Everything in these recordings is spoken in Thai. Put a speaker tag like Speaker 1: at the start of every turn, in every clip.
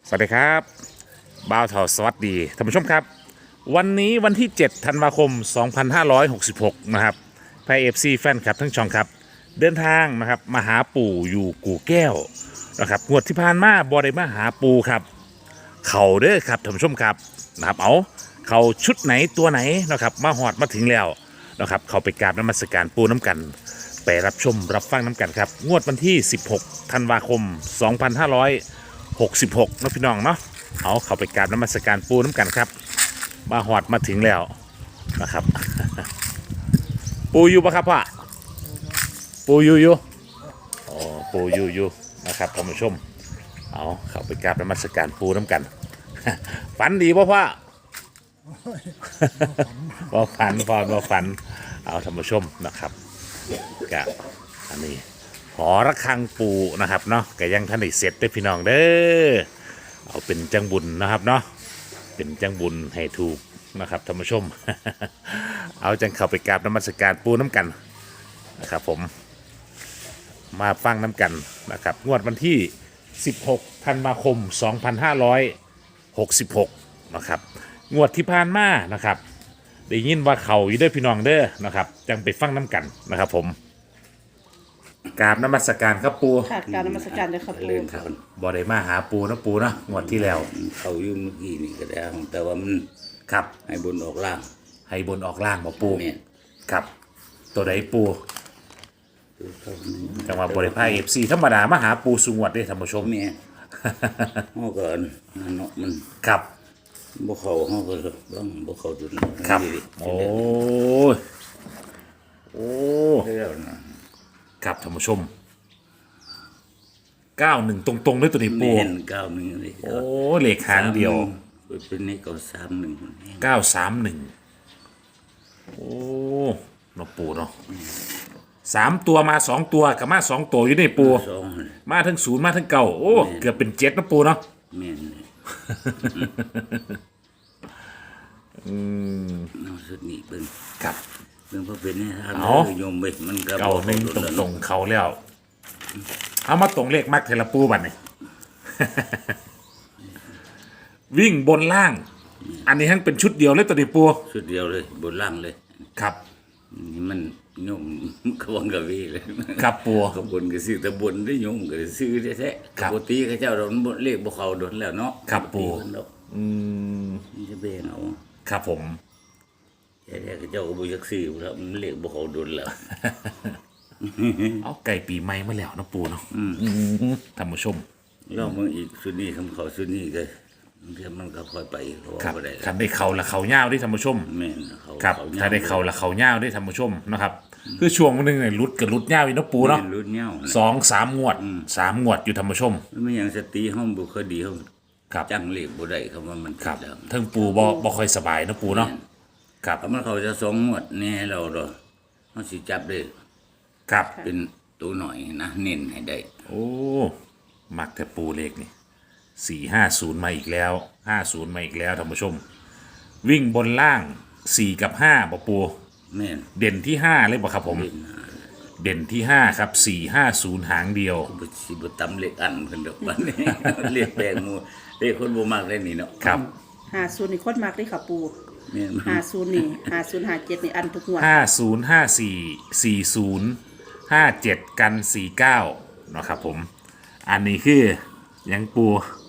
Speaker 1: สวัสดีครับบ่าวเถาสวัสดีท่านผู้ชมครับวันนี้วันที่7ธันวาคม2566นะครับไพเอฟซีแฟนคลับทั้งช่องครับเดินทางนะครับมาหาปู่อยู่กู่แก้วนะครับงวดที่ผ่านมาบ่ได้มาหาปู่ครับเขาเด้อครับท่านผู้ชมครับนะครับเอาเขาชุดไหนตัวไหนนะครับมาหอดมาถึงแล้วนะครับเขาไปกราบนมัสการปู่น้ำกันไปรับชมรับฟังน้ำกันครับงวดวันที่16ธันวาคม2566นะพี่น้องเนาะเอาเข้าไปกราบนมัสการปูน้ำกันครับมาหอดมาถึงแล้วนะครับ ปูอยู่ปะครับพ่อปูอยู่อ๋อปูอยู่นะครับท่านผู้ชมเอาเข้าไปกราบนมัสการปูน้ำกัน ฝันดีป่ะพ่อ บ่ฝันพอบ่ฝันเอาท่านผู้ชมนะครับกับอันนี้หอระฆังปูนะครับเนาะก็ยังท่านได้เสร็จได้อพี่น้องเด้อเอาเป็นจังบุญนะครับเนาะเป็นจังบุญให้ถูกนะครับท่านผู้ชม เอาจังเข้าไปกราบนมัสการปูน้ำกันนะครับผมมาฟังน้ำกันนะครับงวดวันที่16ธันวาคม2566นะครับงวดที่ผ่านมานะครับได้ยินว่าเขาอยู่เด้อพี่น้องเด้อนะครับจังไปฟังน้ำกันนะครับผมกราบนมัสการครับปู
Speaker 2: ค่ะการนมัสการเด้อครับ
Speaker 3: เล่
Speaker 2: ปู่
Speaker 3: นครับ
Speaker 1: บ่ได้มาหาปูนะปูนะงวดที่แล้ว
Speaker 3: เขาอยู่เมื่อกี้นี่ก็ได้แต่ว่ามัน
Speaker 1: ครับ
Speaker 3: ให้บนออกล่าง
Speaker 1: ให้บนออกล่างบ่ปู
Speaker 3: เนี่ย
Speaker 1: ครับตัวใดปู
Speaker 3: เขา
Speaker 1: จังหวะบ่ได้พา FC ธรรมดามาหาปูสุงวดเด้อท่านผู้ชม
Speaker 3: เนี่ยเขาก็เนาะมัน
Speaker 1: ครับ
Speaker 3: บ่เขาเขาก็บ้างบ่เขาจุด
Speaker 1: ครับโอ้ยโอ้
Speaker 3: แล้วนะครับ
Speaker 1: ท่านผู้ชม91ตรงๆด้วยตัวนี้ปู
Speaker 3: เห็นเก้าหนึ่งเลย
Speaker 1: โอ้เลขหางเดียว
Speaker 3: เป็นนี่ก็31
Speaker 1: 931โอ้เนาะปูเนาะ3ตัวมา2ตัวกับมา2ตัวอยู่ในปู
Speaker 3: สอง
Speaker 1: มาทั้ง0มาทั้งเก้าโอ้เกือบเป็น7นะปูเนาะ
Speaker 3: แม่นเลยเอาสุดนี้เบิ่ง
Speaker 1: ครับ
Speaker 3: เบิ่งพอเป็นนี่ทาง
Speaker 1: เอา
Speaker 3: โยมเว้ยมันก็
Speaker 1: เก้าหนึ่งตรงๆเขาแล้วเอามาตรงเลขมักเทละปูบัดนี่ วิ่งบนล่าง อันนี้ทั้งเป็นชุดเดียวเลยตัวนี้ปู
Speaker 3: สุดเดียวเลยบนล่างเลย
Speaker 1: ครับ
Speaker 3: นี่มันโยมกวังกะวีเลย
Speaker 1: ครับปู
Speaker 3: ขบวนก็ซื้อแต่บนได้โยมก็ซื้อแท้ๆ
Speaker 1: ครับ
Speaker 3: ปกติเขาเจ้าเราเลขบ่เข้าโดนแล้วเนาะ
Speaker 1: ครับปู่
Speaker 3: ปกติเพิ่นดอก นี่จะเบ่งเอา
Speaker 1: ครับผม
Speaker 3: แต่เขาเจ้าก็บ่อยากซื้อแล้วมันเลขบ่เข้าโดนแล้ว
Speaker 1: เอาไก่ปีใหม่มาแล้วนะปูเนาะท่านผู้ชม
Speaker 3: ลองเบิ่งอีกสุดนี้คำเขาสุดนี้ก็เดี๋ยวมันก็ค่อยไปเพราะว่า
Speaker 1: ครับ
Speaker 3: บ่ได้
Speaker 1: คันได้เขาละเขาเง่าวได้ท่านผู้ชม
Speaker 3: แม่นเขา
Speaker 1: ครับ
Speaker 3: เขา
Speaker 1: ถ้าได้เขาละเขาเง่าวได้ท่านผู้ชมนะครับ คือช่วงนึงเนี่ยรุดกับรุดเง่าวอีกเนาะปูเนาะ
Speaker 3: แม่รุ่นเหย้า
Speaker 1: 2-3 งวด 3 งวดอยู่ท่านผู้ชม
Speaker 3: มันไม่อย่างสติเฮาบ่ค่อยดีเฮา
Speaker 1: ครับ
Speaker 3: จังเลขบ่ได้คำว่ามัน
Speaker 1: ครับ
Speaker 3: ผิดแล้ว
Speaker 1: ทั้งปูบ่ค่อยสบายเนาะปูเนาะครับ
Speaker 3: ถ้ามันเขาจะสองงวดแน่เราดอกเฮาสิจับได้
Speaker 1: ครับ
Speaker 3: เป็นตัวหน่อยนะเน้นให้ได้
Speaker 1: โอ้มักแต่ปูเลขนี่450มาอีกแล้ว50มาอีกแล้วท่านผู้ชม วิ่งบนล่าง4กับ5บ่ปู
Speaker 3: แม่น
Speaker 1: เด่นที่5เลยบ่ครับผม เด่นที่5ครับ450หางเดียว
Speaker 3: บ่สิบ่ตำเลขอันเพิ่นดอกบัดนี้ เลขแปลงหมู่เลขคนบ่มักได้นี่เนาะ
Speaker 1: ครับ
Speaker 2: 50นี่โคตรมากเลยค่ะปู่
Speaker 3: แม่น
Speaker 2: 50นี่50 57นี่อันทุกงวด
Speaker 1: 50 54 40 57 กัน 49เนาะครับผม อันนี้คือยังปู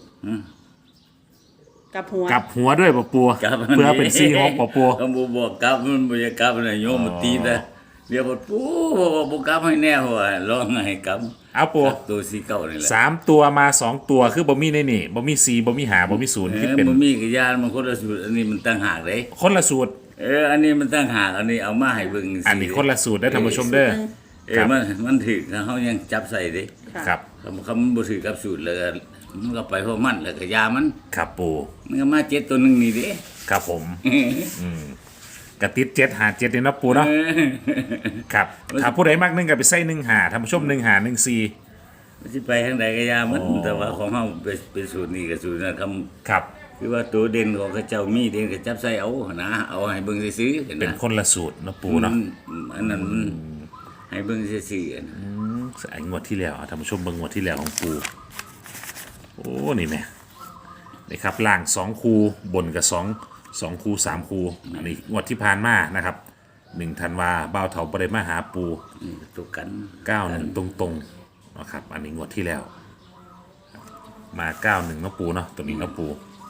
Speaker 2: กับหัว
Speaker 1: กลับหัวด้วยปะปู
Speaker 3: กลับ
Speaker 1: เพื่อเป็น46ปะปู
Speaker 3: ก็บ่บอกกลับมันบ่อยากกลับนะโยมมันตีแต่เดี๋ยวบ่ปูบ่กลับให้แน่ว่าร้องให้กลับ
Speaker 1: เอาปู
Speaker 3: ตัวสีเก่านี่แหละ
Speaker 1: 3 ตัวมา 2 ตัวคือบ่มีในนี่บ่มี4บ่มี5บ่มี0คิดเป็น
Speaker 3: บ่มีกยานมันคนละสูตรอันนี้มันต่างหากเด้
Speaker 1: คนละสูตร
Speaker 3: อันนี้มันต่างหากอันนี้เอามาให้เบิ่งสิ
Speaker 1: อันนี้คนละสูตรได้อท่านผู้ชมเด้อ ครับ
Speaker 3: มันถึกเฮายังจับใส่เด้
Speaker 2: ค่ะ
Speaker 1: ครับ
Speaker 3: คำมันบ่ถือกับสูตรเลยมันก็ไปเพราะมันแล้วก็ยามัน
Speaker 1: ครับปู
Speaker 3: มันก็มา7ตัวหนึงนี่เด้
Speaker 1: ครับผมกระติด7หา7นี่เนาะปูเนาะครับถ้าผู้ใดมัก1ก็ไปใส่1หาท่านผู้ชม1หา1 4
Speaker 3: มันสิไปทางใดก็ยามันแต่ว่าของเฮาเป็นสูตรนี้กับสูตรนั้นคำ
Speaker 1: ครับ
Speaker 3: คือว่าตัวเด่นของเขาเจ้ามีเด่นก็จับใส่เอานะเอาให้เบิ่งซื่อๆเห็น
Speaker 1: เป็น
Speaker 3: นะ
Speaker 1: คนละสูตรเนาะปูเนาะ
Speaker 3: อันนั้นมันให้เบิ่งซื่อๆนะ
Speaker 1: ไอ้งวดที่แล้วท่านผู้ชมเบิ่งงวดที่แล้วของปูโอ้นี่แม่นี่ครับล่าง2คูบนกับ2คู3คูอันนี้งวดที่ผ่านมานะครับ1ธันวาบ่าวเถาบ่ได้มาหาปู
Speaker 3: นี่ตัวกัน
Speaker 1: 91ตรงๆนะครับอันนี้งวดที่แล้วมา91เนาะปูเนาะตัวนี้เนาะปู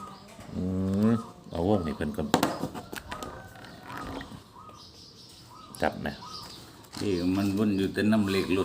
Speaker 1: เอาวงให้เพิ่นก่อนจับนะ
Speaker 3: ที่มันวนอยู่แต่น้ำเหล็กหลุด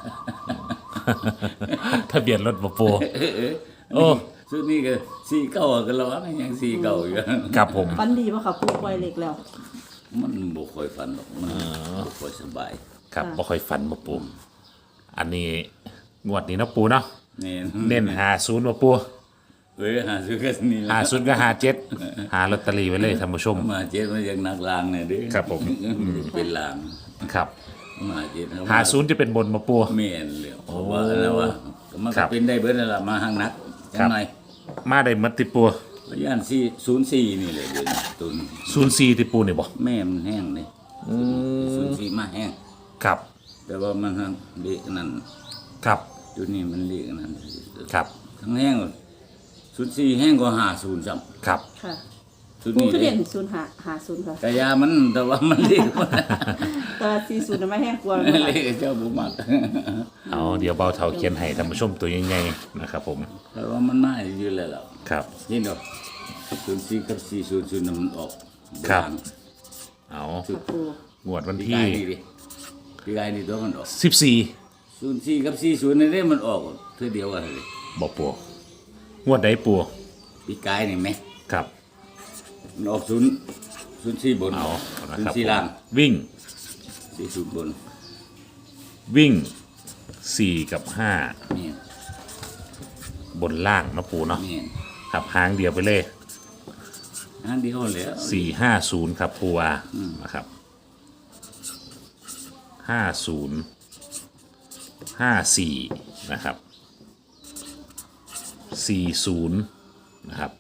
Speaker 1: ทะเบียนรถบ่ปูโอ้
Speaker 3: สุดนี้ก็สี่เก้าก็ระวังยังสี่เก้าอยู่
Speaker 1: ครับผม
Speaker 2: ฟันดีป่ะค่ะปูปล่อยเหล็กแล้ว
Speaker 3: มันบ่ค่อยฝันหรอกมันบ่ค่อยสบาย
Speaker 1: ครับบ่ค่อยฝันบ่ปูอันนี้งวดนี้เนาะปูเนาะ
Speaker 3: นี่
Speaker 1: เน้น50บ่ปู
Speaker 3: เอ้ยหาซื้อกันนี่ล่ะ
Speaker 1: 50ก็57หาลอตเตอรี่ไว้เลยท่านผู้ชม
Speaker 3: มาเจ็ดมันยังนักลางเนี่ยเด้อ
Speaker 1: ครับผม
Speaker 3: เป็นลาง
Speaker 1: ครับ
Speaker 3: มาเจ็ดครับ
Speaker 1: 50จะเป็นบนบ่ปู
Speaker 3: แม่นเลยเพราะว่าแล้วว่าก็มัน
Speaker 1: ครั
Speaker 3: ก็
Speaker 1: บ
Speaker 3: เป็นได้เบิดนั่นล่ะมาทางนักจั
Speaker 1: ครั
Speaker 3: ง
Speaker 1: บ
Speaker 3: ไง
Speaker 1: มาได้หมดติปู
Speaker 3: ย่าน404นี่เลยเดี๋ยวนี้ตุน
Speaker 1: 04ติปูนี่บ่
Speaker 3: แม่มันแห้งเลย04มาแห้ง
Speaker 1: ครับ
Speaker 3: แต่ว่ามันทางเละนั่น
Speaker 1: ครับ
Speaker 3: จุดนี้มันเละนั่น
Speaker 1: ครับ
Speaker 3: ทั้งแห้ง04แห้งกว่า50ซ้ำ
Speaker 1: ครับ
Speaker 2: ค่ะ
Speaker 3: จุด
Speaker 2: ปู
Speaker 3: นี้
Speaker 2: คือ
Speaker 3: เล
Speaker 2: เด่
Speaker 3: ย
Speaker 2: น050ค่ะ
Speaker 3: กะยามันแต่ว่ามันเละกว่า
Speaker 2: แต่40น่ะไม่แห้งกลัว
Speaker 3: เละเจ้าบ่มัก
Speaker 1: เอาเดี๋ยวเบาเท่าเขียนให้ท่านผู้ชมตัวใหญ่ๆนะครับผม
Speaker 3: แต่ว่ามันมาอยู่แล้วล่ะ
Speaker 1: ครับ
Speaker 3: นี่ดอก04กับ400น่ะมันออก
Speaker 1: ครับ เอา
Speaker 2: ค่ะปู
Speaker 1: งวดวัน
Speaker 3: พี่
Speaker 1: ที่
Speaker 3: กายนี่ดิพี่กายนี่ตัวมันออก
Speaker 1: 14
Speaker 3: 04กับ40นี่เด้มันออกเท่าเดียวกันเลย
Speaker 1: บ่ปูงวดใดปู
Speaker 3: พี่กายนี่แม่
Speaker 1: ครับ
Speaker 3: มันออก04บน
Speaker 1: เอานะครับ
Speaker 3: 04ล่าง
Speaker 1: วิ่ง
Speaker 3: 40บน
Speaker 1: วิ่ง4กับ
Speaker 3: นี่
Speaker 1: 5บนล่างเนาะปูเนาะ
Speaker 3: นี่
Speaker 1: ครับหางเดียวไปเลย
Speaker 3: อันเดียวแล้ว
Speaker 1: 450ครับปูว่านะครับ50 54นะครับ40นะครับ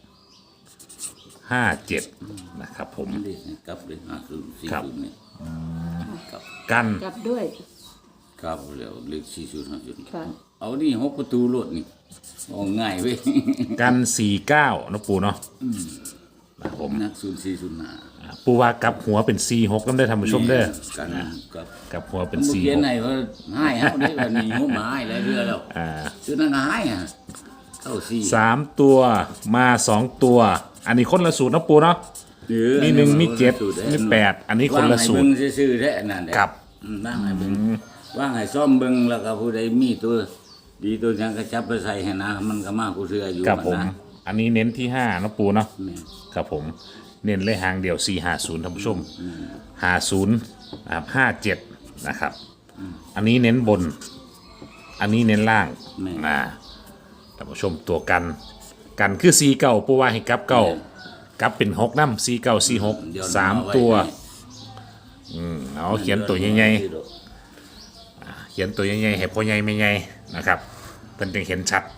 Speaker 1: 57นะครับผม
Speaker 3: เด็กกลับเลย50
Speaker 1: ครับ
Speaker 3: 40นี่กลับ
Speaker 1: กัน
Speaker 2: กลับด้วย
Speaker 3: กลับแล้วเลข40 50
Speaker 2: ค่ะ
Speaker 3: เอานี่6ประตูรถนี่ออกง่ายเว้ย
Speaker 1: กัน49เนาะปูเนาะนะครับผม
Speaker 3: นัก0405
Speaker 1: ปูว่ากลับหัวเป็น46กันได้อท่านผู้ชมเด้อ
Speaker 3: กันกับ
Speaker 1: กลับหัวเป็น
Speaker 3: เขียน
Speaker 1: 46
Speaker 3: ให้ว่าให้เฮาได้ว่านี่งบมาให้แล้วเรือแล้วซื้อนั่นก็ให้อ่ะเข้า4
Speaker 1: 3ตัวมา2ตัว อันนี้คนละสูตรเนาะปูเนาะมี1มี7มี8อันนี้คนละสูตร
Speaker 3: ว่างให้เบิ่งซื่อๆแท้นั่นแหละ
Speaker 1: ครับ
Speaker 3: ว่างให้เบิ่งว่างให้ซ่อมเบิ่งแล้วก็ผู้ใดมีตัวดีตัวหยังก็จับไปใส่ให้นะมันก็มาผู้เชื่ออยู่
Speaker 1: ครับผม
Speaker 3: นะ
Speaker 1: อันนี้เน้นที่5เนาะปูเนาะ
Speaker 3: แม่น
Speaker 1: ครับผมเน้นเลยหางเดียว450ท่านผู้ชม50นะครับ57นะครับอันนี้เน้นบน อันนี้เน้นล่างท่านผู้ชมตัวกันคือ49ปูว่าให้กลับเก้ากลับเป็น6นำ4946
Speaker 3: เดี๋ยว
Speaker 1: 3ตัวเอาเขียนตัวใหญ่ๆเขียนตัวใหญ่ๆให้พ่อใหญ่ไม่ใหญ่นะครับเพิ่นจึงเห็นชัด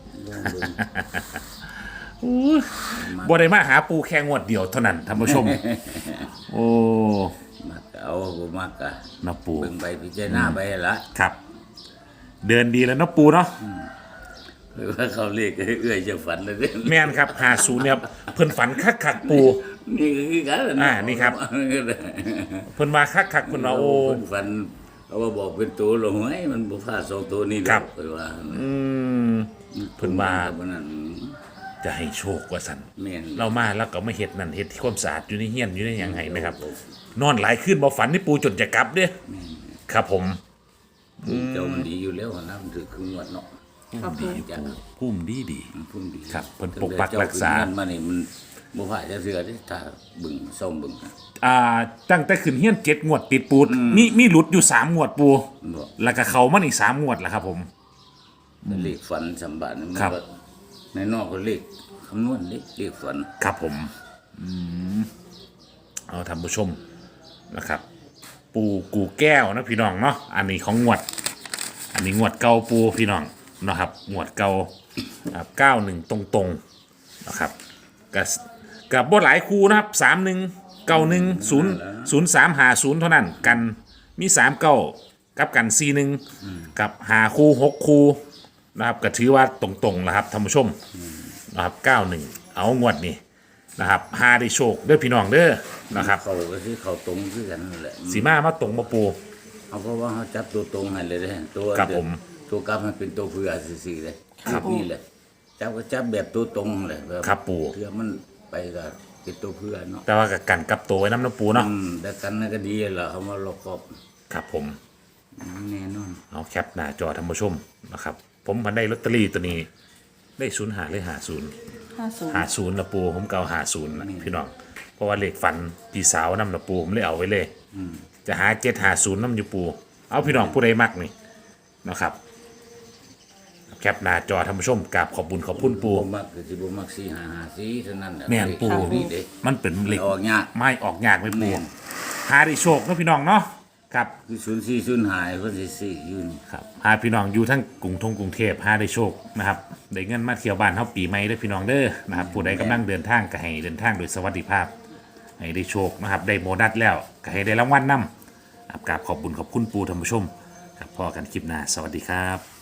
Speaker 1: บ่ได้มาหาปูแค่งวดเดียวเท่านั้นท่านผู้ชม โอ้
Speaker 3: มักเอาบ่มักก็
Speaker 1: นะปู
Speaker 3: เบิ่งไปพิจารณาไปละ
Speaker 1: ครับ เดินดีแล้วเนาะปูเนาะ
Speaker 3: หรือว่าเขาเรียกเอื้อยจะฝันเลยเด้อ
Speaker 1: แม่นครับ50เนี่ยเพิ่นฝันคักๆปู
Speaker 3: นี่ก็คือกัน
Speaker 1: นี่ครับ เพิ่นว่าคักๆเพิ่นว่าโอ้
Speaker 3: เพิ่นฝันเขาว่าบอกเป็นตัวลงไว้มันบ่พลาด2ตัวนี้ดอก
Speaker 1: ครับ
Speaker 3: เพิ่นว่า
Speaker 1: เพิ่นว่า
Speaker 3: เพราะนั้น
Speaker 1: จะให้โชคว่าซั่น
Speaker 3: แม่น
Speaker 1: เรามาแล้วก็มาเฮ็ดนั่นเฮ็ดที่ความสะอาดอยู่ในเฮียนอยู่ในหยังไห้นะครับ นอนหลายคืนบ่ฝันนี่ปูจนจะกลับเด้อครับผม
Speaker 3: เจ้ามันดีอยู่แล้วนะมันถือคืองวดเนาะ
Speaker 2: ครับปู
Speaker 3: จ้ะ
Speaker 1: พุ่มดีดี
Speaker 3: มันพุ่มดี
Speaker 1: ครับเพิ่นปกปักรักษา
Speaker 3: เจ้ขึ้นเงินมานี่มันบ่พลาดจะเสือเด้ถ้าบึงซ่อมบึงนะ
Speaker 1: ตั้งแต่ขึ้นเฮียน7งวดติดปูมีหลุดอยู่3งวดปู
Speaker 3: บ่
Speaker 1: แล้วก็เข้ามาอีก3งวดแล้วครับผม
Speaker 3: เลขฝันสำบัติมัน
Speaker 1: ครับ
Speaker 3: ก็ในนอกก็เลขคำนวณเลขฝัน
Speaker 1: ครับผมเอาท่านผู้ชมนะครับ ปูกูแก้วนะพี่น้องเนาะอันนี้ของงวด อันนี้งวดเก่าปูพี่น้องนะครับงวดเก่า91ตรงๆนะครับกับบ่หลายคู่นะครับ31 91 0350เท่านั้นกันมี3เก้ากับกัน41กับ5คู่6คู่นะครับก็ถือว่าตรงๆนะครับท่านผู้ชมนะครับ91เอางวดนี้นะครับหาได้โชคเด้อพี่น้องเด้อนะครับ
Speaker 3: เขาก็คือเขาตรงคือกันนั่นแหละ
Speaker 1: สีมาตรงมาปู
Speaker 3: เอาเพราะว่าเขาจับตัวตรงให้เลยเด้ตัว
Speaker 1: ครับผม
Speaker 3: ตัวกลับมันเป็นตัวเพื่อซื่อๆเลย
Speaker 2: ครับ
Speaker 3: นี่แหละจับก็จับแบบตัวตรงเลยแบบ
Speaker 1: ครับปู่
Speaker 3: เพื่อมันไปก็เป็นตัวเพื่อเนาะ
Speaker 1: แต่ว่ากับกันกับตัวไว้น้ำปูเนาะ
Speaker 3: แต่กันนั่นก็ดีแหละเขามาลอกกอบ
Speaker 1: ครับผม
Speaker 3: แน่นอน
Speaker 1: เอาแคปหน้าจอท่านผู้ชมนะครับ ผมพันได้ลอตเตอรี่ตัวนี้ได้0 หาเลยหา0 50ละปูผมเก่า50นะพี่น้องเพราะว่าเลขฝันพี่สาวนำละปูผมเลยเอาไว้เลยจะหา750นำอยู่ปูเอาพี่น้องผู้ใดมักนี่นะครับแคปหน้าจอท่านผู้ชมกราบขอบบุญขอบคุณปู
Speaker 3: บ่มักคือสิบ่มัก4 5 5 4เท่านั้นแหละ
Speaker 1: แม่นปู
Speaker 3: นี่เด้
Speaker 1: มันเป็นเหล็ก
Speaker 3: ออกยาก
Speaker 1: ไม่ออกยากไม่ปู
Speaker 3: แม่น
Speaker 1: หาได้โชคเนาะพี่น้องเนาะครับ
Speaker 3: คือ04 05เพิ่นสิซื้ออยู่นี่
Speaker 1: ครับหาพี่น้องอยู่ทั้งกรุงเทพหาได้โชคนะครับได้เงินมาเที่ยวบ้านเฮาปีใหม่เด้อพี่น้องเด้อนะครับผู้ใดกำลังเดินทางก็ให้เดินทางโดยสวัสดิภาพให้ได้โชคนะครับได้โบนัสแล้วก็ให้ได้รางวัลนำกราบขอบบุญขอบคุณปูท่านผู้ชมครับพอกันคลิปหน้าสวัสดีครับ